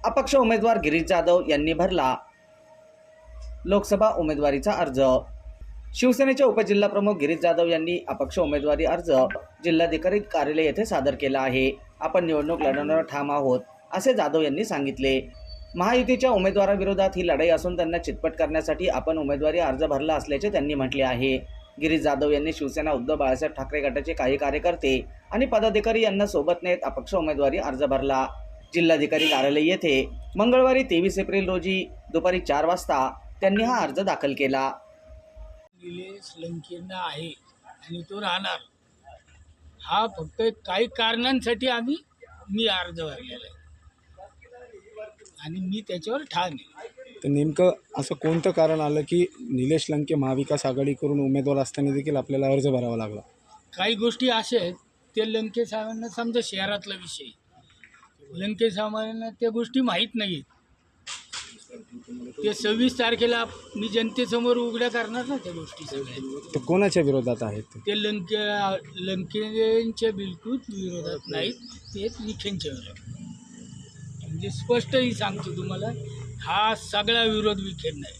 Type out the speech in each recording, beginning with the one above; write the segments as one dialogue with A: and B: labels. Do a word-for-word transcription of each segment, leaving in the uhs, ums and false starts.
A: अपक्ष उमेदवार गिरीश जाधव यांनी भरला लोकसभा उमेदवारीचा अर्ज। शिवसेनेचे उपजिल्हाप्रमुख गिरीश जाधव यांनी अपक्ष उमेदवारी अर्ज जिल्हाधिकारी कार्यालय येथे सादर केला आहे। आपण निवडणूक लढवणार ठाम आहोत असे जाधव यांनी सांगितले। महायुतीच्या उमेदवाराविरोधात ही लढाई असून त्यांना चितपट करण्यासाठी आपण उमेदवारी अर्ज भरला असल्याचे त्यांनी म्हटले आहे। गिरीश जाधव यांनी शिवसेना उद्धव बाळासाहेब ठाकरे गटाचे काही कार्यकर्ते आणि पदाधिकारी यांना सोबत नेत अपक्ष उमेदवारी अर्ज भरला। जिल्हाधिकारी कार्यालय येथे मंगळवारी तेवीस एप्रिल रोजी दुपारी चार वाजता त्यांनी हा अर्ज दाखल केला।
B: निलेश लंकेंना आहे आणि तो राहणार, हा फक्त काही कारणांसाठी आम्ही मी अर्ज भरलेला आहे आणि मी त्याच्यावर ठाम आहे।
C: तर नेमकं असं कोणतं कारण आलं की निलेश लंके महाविकास आघाडी करून उमेदवार असताना देखील आपल्याला अर्ज भरावा लागला?
B: काही गोष्टी अशा आहेत ते लंके साहेबांना समजा शहरातला विषय, लंके साहेबांना त्या गोष्टी माहीत नाहीत। ते सव्वीस तारखेला मी जनतेसमोर उघड्या करणार ना त्या गोष्टी सगळ्या।
C: तर कोणाच्या विरोधात आहेत
B: ते लंके लंकेंच्या बिलकुल विरोधात नाहीत, ते विखेंच्या विरोधात। म्हणजे स्पष्टही सांगतो तुम्हाला, हा सगळा विरोध विखेंना नाही।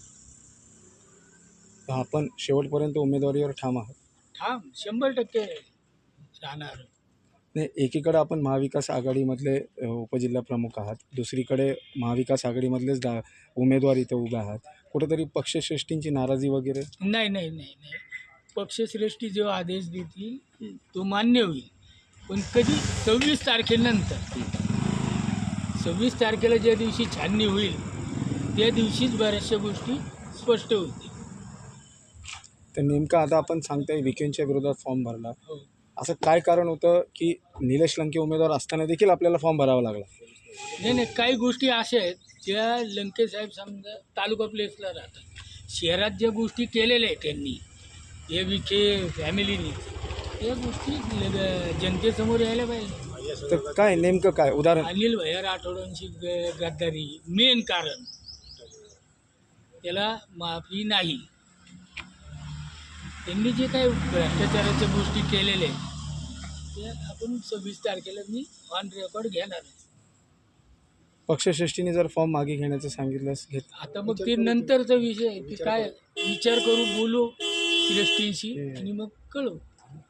C: तर आपण शेवटपर्यंत उमेदवारीवर ठाम आहात?
B: ठाम शंभर टक्के राहणार।
C: नाही, एकीकडे आपण महाविकास आघाडीमधले अ, उपजिल्हा प्रमुख आहात, दुसरीकडे महाविकास आघाडीमधलेच दा उमेदवार इथं उभे आहात, कुठेतरी पक्षश्रेष्ठींची नाराजी वगैरे?
B: नाही नाही नाही नाही पक्षश्रेष्ठी जो आदेश देतील तो मान्य होईल, पण कधी सव्वीस तारखेनंतर। सव्वीस तारखेला ज्या दिवशी छाननी होईल त्या दिवशीच बऱ्याचशा गोष्टी स्पष्ट होतील।
C: तर नेमकं आता आपण सांगताय विखेंच्या विरोधात फॉर्म भरला,
B: हो,
C: असं काय कारण होतं की निलेश लंके उमेदवार असताना देखील आपल्याला फॉर्म भरावा लागला?
B: नाही नाही काही गोष्टी अशा आहेत ज्या लंके साहेब समजा तालुका प्लेसला राहतात, शहरात ज्या गोष्टी केलेल्या आहेत त्यांनी, हे विखे फॅमिलीनी, त्या गोष्टी ल- जनतेसमोर यायला पाहिजे।
C: तर काय नेमकं काय उदाहरण?
B: अनिल भैया राठोडांची ग गद्दारी मेन कारण, त्याला माफी नाही। त्यांनी जे काही भ्रष्टाचाराच्या गोष्टी केलेल्या आहेत त्या आपण सव्वीस तारखेला मी ऑन रेकॉर्ड घेणार आहे।
C: पक्षश्रेष्ठीने जर फॉर्म मागे घेण्याचं सांगितलं घेत?
B: आता मग ते नंतरचा विषय आहे, ते काय विचार करू, बोलू श्रेष्ठींशी आणि मग कळू।